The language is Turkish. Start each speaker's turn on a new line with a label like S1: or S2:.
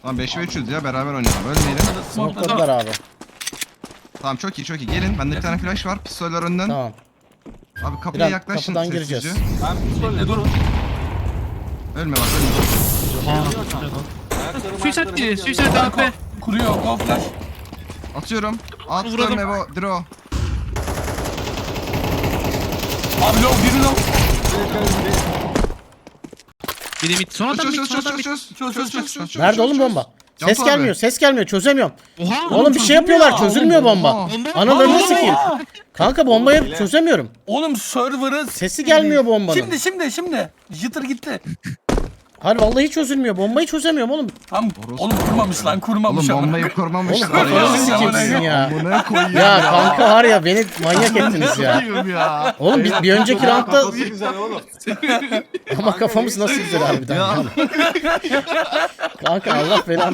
S1: Tamam 5 ve 3'üz ya, beraber oynayalım. Ölmeyelim.
S2: Smokladılar abi.
S1: Tamam çok iyi çok iyi. Gelin, bende bir tane flash var. Pistoller önden.
S2: Tamam.
S1: Abi kapıya
S2: Biraz
S1: yaklaşın
S2: kapıdan
S1: sessizce.
S2: gireceğiz.
S3: Ben pistolle durun.
S1: Ölme bak, ölme.
S4: Suicide diye. Suicide AP.
S3: Kuruyor. Go flash.
S1: Atıyorum. Attım
S4: Vurdum.
S1: Evo. Draw.
S3: Abi low biri low.
S4: Biri mid. Son adam mid.
S1: Çöz
S4: Son adam mid.
S1: çöz.
S2: Nerede oğlum bomba?
S1: Can
S2: Ses
S1: abi.
S2: gelmiyor, ses gelmiyor. Çözemiyorum.
S4: Oha.
S2: Oğlum bir şey yapıyorlar, çözülmüyor bomba.
S1: Oha.
S2: Analarını sikeyim. Kanka bombayı çözemiyorum.
S3: Oğlum server'ı
S2: Sesi gelmiyor bombanın.
S3: Şimdi. Jitter gitti.
S2: Hayır vallahi çözülmüyor. Bombayı çözemiyorum oğlum.
S3: Tam oğlum kurmamış lan kurmamış.
S1: Oğlum
S3: ama.
S1: bombayı kurmamışlar
S2: Oğlum kafanızı sikeyim sizin ya.
S1: Buna koyayım
S2: Ya kanka var ya beni manyak ettiniz ya.
S1: ya.
S2: Oğlum bir önceki roundda
S5: Kafası güzel oğlum.
S2: ama kafamız nasıl güzel harbiden. Kanka Allah belanı